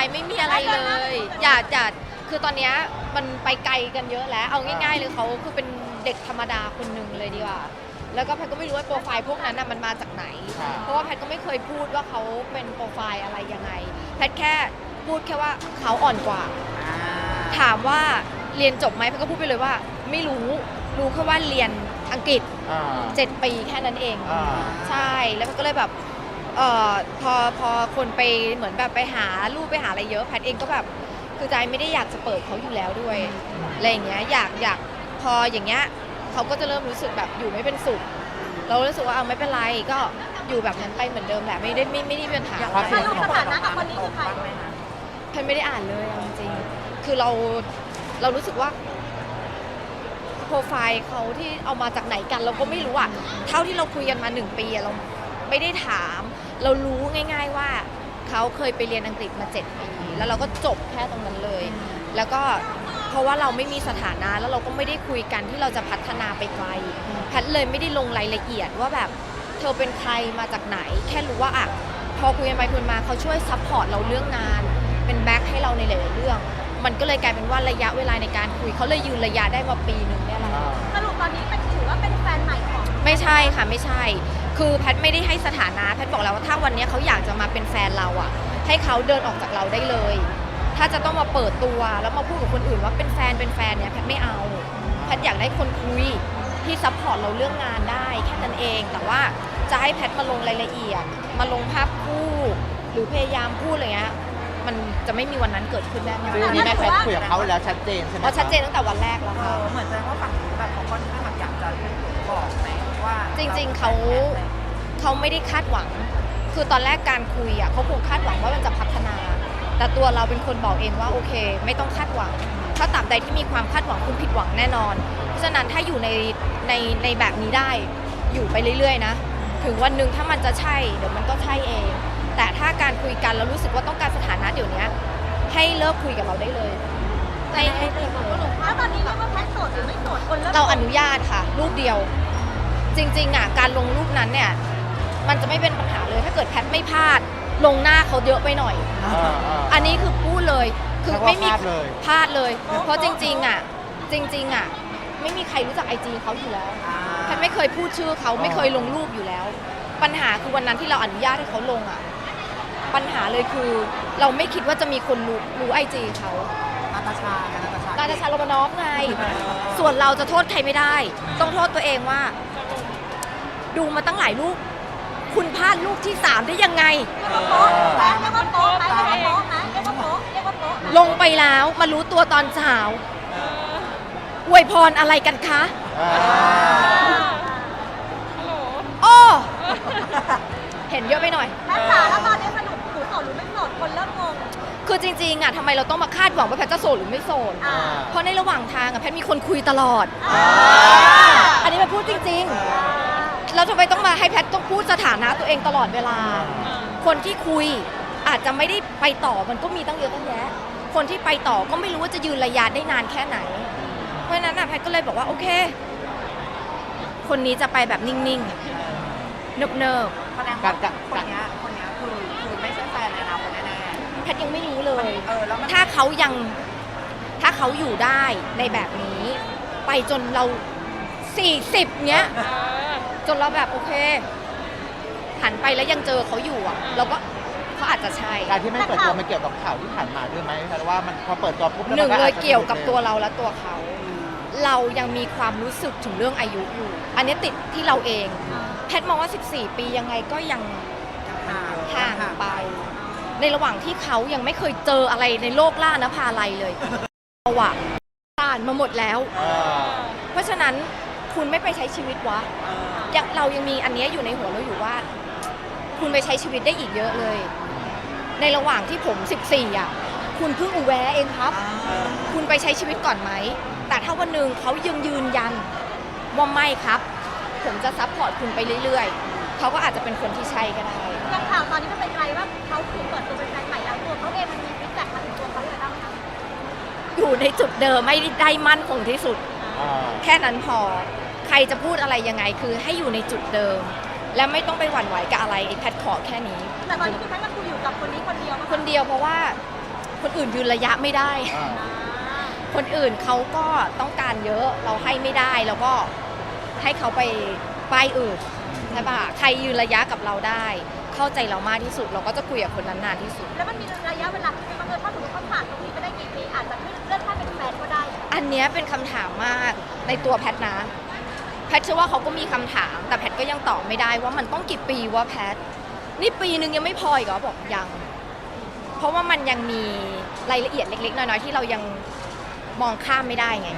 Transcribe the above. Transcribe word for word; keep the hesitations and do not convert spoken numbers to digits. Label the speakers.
Speaker 1: ล์ไม่มีอะไรเลยอย่าอย่าคือตอนนี้มันไปไกลกันเยอะแล้วเอาง่ายๆเลยเขาคือเป็นเด็กธรรมดาคนหนึ่งเลยดีกว่าแล้วก็แพทก็ไม่รู้ว่าโปรไฟล์พวกนั้นมันมาจากไหนเพราะว่าแพทก็ไม่เคยพูดว่าเขาเป็นโปรไฟล์อะไรยังไงแพทแค่พูดแค่ว่าเขาอ่อนกว่าถามว่าเรียนจบไหมแพทก็พูดไปเลยว่าไม่รู้รู้แค่ว่าเรียนอังกฤษเจ็ดปีแค่นั้นเองใช่แล้วแพทก็เลยแบบเอ่อพอพอคนไปเหมือนแบบไปหารูปไปหาอะไรเยอะแพทเองก็แบบคือใจไม่ได้อยากจะเปิดเขาอยู่แล้วด้วยอะไรอย่างเงี้ยอยากอยากพออย่างเงี้ยเขาก็จะเริ่มรู้สึกแบบอยู่ไม่เป็นสุขเรารู้สึกว่าเอาไม่เป็นไรก็อยู่แบบนั้นไปเหมือนเดิมแหละไม่ได้ไม่ไม่ได้มีปัญหาอะไร
Speaker 2: ถ้าลูกสถานะกับคนนี้คือใคร
Speaker 1: แพนไม่ได้อ่านเลยจริงๆคือเราเรารู้สึกว่าโปรไฟล์เขาที่เอามาจากไหนกันเราก็ไม่รู้อ่ะเท่าที่เราคุยกันมาหนึ่งปีเราไม่ได้ถามเรารู้ง่ายๆว่าเขาเคยไปเรียนอังกฤษมาเจ็ดปีแล้วเราก็จบแค่ตรงนั้นเลยแล้วก็เพราะว่าเราไม่มีสถานะแล้วเราก็ไม่ได้คุยกันที่เราจะพัฒนาไปไกลแพทเลยไม่ได้ลงรายละเอียดว่าแบบเธอเป็นใครมาจากไหนแค่รู้ว่าอ่ะพอคุยกันไปคุยมาเขาช่วยซัพพอร์ตเราเรื่องงานเป็นแบ็คให้เราในหลายๆเรื่องมันก็เลยกลายเป็นว่าระยะเวลาในการคุยเขาเลยยืนระยะได้มาปีหนึ่งเนี่ยแหละ
Speaker 2: สรุปตอนนี้เป็นถือว่าเป็นแฟนใหม่ของ
Speaker 1: ไม่ใช่ค่ะไม่ใช่คือแพทไม่ได้ให้สถานะแพทบอกแล้วว่าถ้าวันนี้เขาอยากจะมาเป็นแฟนเราอ่ะให้เขาเดินออกจากเราได้เลยถ้าจะต้องมาเปิดตัวแล้วมาพูดกับคนอื่นว่าเป็นแฟนเป็นแฟนเนี่ยแพทไม่เอาแพทอยากได้คนคุยที่ซัพพอร์ตเราเรื่องงานได้แค่นั้นเองแต่ว่าจะให้แพทมาลงรายละเอียดมาลงภาพคู่หรือพยายามพูดอะไรเงี้ยมันจะไม่มีวันนั้นเกิดขึ้นแน่นอน
Speaker 3: คือนี่แม่แพทคุยกับเขาแล้วชัดเจนใช่ไหม
Speaker 1: อ๋อชัดเจนตั้งแต่วันแรกแล้วค่ะ
Speaker 4: เหมือนแสดงว่าฝั่งนู้นแบบเขาค่อนข้างอยากจะบอกไหมว่า
Speaker 1: จริงๆเขาเขาไม่ได้คาดหวังคือตอนแรกการคุยอ่ะเขาคงคาดหวังว่ามันจะพัฒนาแต่ตัวเราเป็นคนบอกเองว่าโอเคไม่ต้องคาดหวังถ้าตราบใดที่มีความคาดหวังคุณผิดหวังแน่นอนเพราะฉะนั้นถ้าอยู่ในในในแบบนี้ได้อยู่ไปเรื่อยๆนะถึงวันหนึ่งถ้ามันจะใช่เดี๋ยวมันก็ใช่เองแต่ถ้าการคุยกันแล้วรู้สึกว่าต้องการสถานะเดี๋ยวนี้ให้เลิกคุยกับเราได้เลยให้ให้เลิกเลย
Speaker 2: แล้วตอนนี้เรียกว่าแพทโสดหรือไม่โสดคนเริ่ม
Speaker 1: เราอนุญาตค่ะรูปเดียวจริงๆอ่ะการลงรูปนั้นเนี่ยมันจะไม่เป็นปัญหาเลยถ้าเกิดแพทไม่พลาดลงหน้าเขาเยอะไปหน่อยอันนี้คือพูดเลยคือไม่มีพลาดเลยเพราะจริงๆอ่ะจริงๆอ่ะไม่มีใครรู้จักไอจีเขาอยู่แล้วแพทไม่เคยพูดชื่อเขาไม่เคยลงรูปอยู่แล้วปัญหาคือวันนั้นที่เราอนุญาตให้เขาลงอ่ะปัญหาเลยคือเราไม่คิดว่าจะมีคนรู้รู้ไอจีเขา
Speaker 4: นาตาชานาตาชา
Speaker 1: นาตาชาโรมานอฟไงส่วนเราจะโทษใครไม่ได้ต้องโทษตัวเองว่าดูมาตั้งหลายรูปคุณพลาดรูปที่สามได้ยังไง
Speaker 2: เรียกว่าโป๊ะไหมเรียกว่าโป๊ะไหมเรียกว่าโป๊ะไหมเรียกว่าโป๊ะเรียกว่าโป๊ะ
Speaker 1: ลงไปแล้วมารู้ตัวตอนเช้าอวยพรอะไรกันคะโอ้เห็นเยอะไปหน่อย
Speaker 2: แพทจ๋าแล้วตอนนี้สนุกหนูโสดหรือไม่โสดคนเริ่มงง
Speaker 1: คือจริงๆอ่ะทำไมเราต้องมาคาดหวังว่าแพทจะโสดหรือไม่โสดเพราะในระหว่างทางอ่ะแพทมีคนคุยตลอดอันนี้แพทพูดจริงๆแล้วทำไมต้องมาให้แพทต้องพูดสถานะตัวเองตลอดเวลาคนที่คุยอาจจะไม่ได้ไปต่อมันก็มีตั้งเยอะตั้งแยะคนที่ไปต่อก็ไม่รู้ว่าจะยืนระยะได้นานแค่ไหนเพราะฉะนั้นอ่ะแพทก็เลยบอกว่าโอเคคนนี้จะไปแบบนิ่งๆเนิบ
Speaker 4: ๆแสดงว่าคนนี้คนนี้คือคือไม่ใช่แฟนในอนาคตแน่
Speaker 1: ๆแพทยังไม่รู้เลยถ้าเขายังถ้าเขาอยู่ได้ในแบบนี้ไปจนเราสี่สิบเนี้ยจนเราแบบโอเคหันไปแล้วยังเจอเขาอยู่อ่ะเราก็เขาอาจจะใช่
Speaker 3: การที่ไม่เปิดตัวมันเกี่ยวกับข่าวที่ผ่านมาด้วยไหมเพราะว่ามันพอเปิดตัวปุ๊บ
Speaker 1: หนึ่งเลยเกี่ยวกับตัวเราและตัวเขาเรายังมีความรู้สึกถึงเรื่องอายุอยู่อันนี้ติดที่เราเองแพทมองว่าสิบสี่ปียังไงก็ยังห่างไปในระหว่างที่เขายังไม่เคยเจออะไรในโลกล่านภาลัยเลยเราอะผ่านมาหมดแล้วเพราะฉะนั้นคุณไม่ไปใช้ชีวิตวะยังเรายังมีอันนี้อยู่ในหัวเราอยู่ว่าคุณไปใช้ชีวิตได้อีกเยอะเลยในระหว่างที่ผมสิบสี่อ่ะคุณเพิ่งอุแวะเองครับคุณไปใช้ชีวิตก่อนไหมแต่ถ้าวันหนึ่งเขายังยืนยันว่าไม่ครับผมจะซัพพอร์ตคุณไปเรื่อยๆเขาก็อาจจะเป็นคนที่ใช่ก็ได้
Speaker 2: อย่างข่าวตอนนี้มันเป็นใครว่าเขาถูกเปิดตัวเป็นแฟนใหม่แล้วตัวเขาเองมันมีฟีดแบ็กมาถึงตัวเขาเลยบ้างไหมคะ
Speaker 1: อยู่ในจุดเดิมไม่ได้มั่นคงที่สุดแค่นั้นพอใครจะพูดอะไรยังไงคือให้อยู่ในจุดเดิมและไม่ต้องไปหวั่นไหวกับอะไรไอ้แพทขอแค่นี้
Speaker 2: แต่ตอนนี้คือแพทก็คุยอยู่กับคนนี้คนเดียว
Speaker 1: คนเดียวเพราะว่าคนอื่นยืนระยะไม่ได้
Speaker 3: อ่า
Speaker 1: คนอื่นเขาก็ต้องการเยอะเราให้ไม่ได้แล้วก็ให้เขาไปป้ายอื่นใช่ปะใครยืนระยะกับเราได้ เข้าใจเรามากที่สุด เราก็จะคุยกับคนนั้นนานที่สุด
Speaker 2: แล้วมันมีระยะเวลาที่บางเอิญถ้าสมมติเขาผ่านตรงนี้ไปได้กี่ปีอาจจะไม่เลื่อนขั้นเป็นแฟนก็ได้
Speaker 1: อันเนี้ยเป็นคำถามมากในตัวแพทนะแพทเชื่อว่าเขาก็มีคำถาม แต่แพทก็ยังตอบไม่ได้ว่ามันต้องกี่ปีวะแพทนี่ปีนึงยังไม่พออีกเหรอบอกยัง เพราะว่ามันยังมีรายละเอียดเล็กๆน้อยๆที่เรายังมองข้ามไม่ได้ไง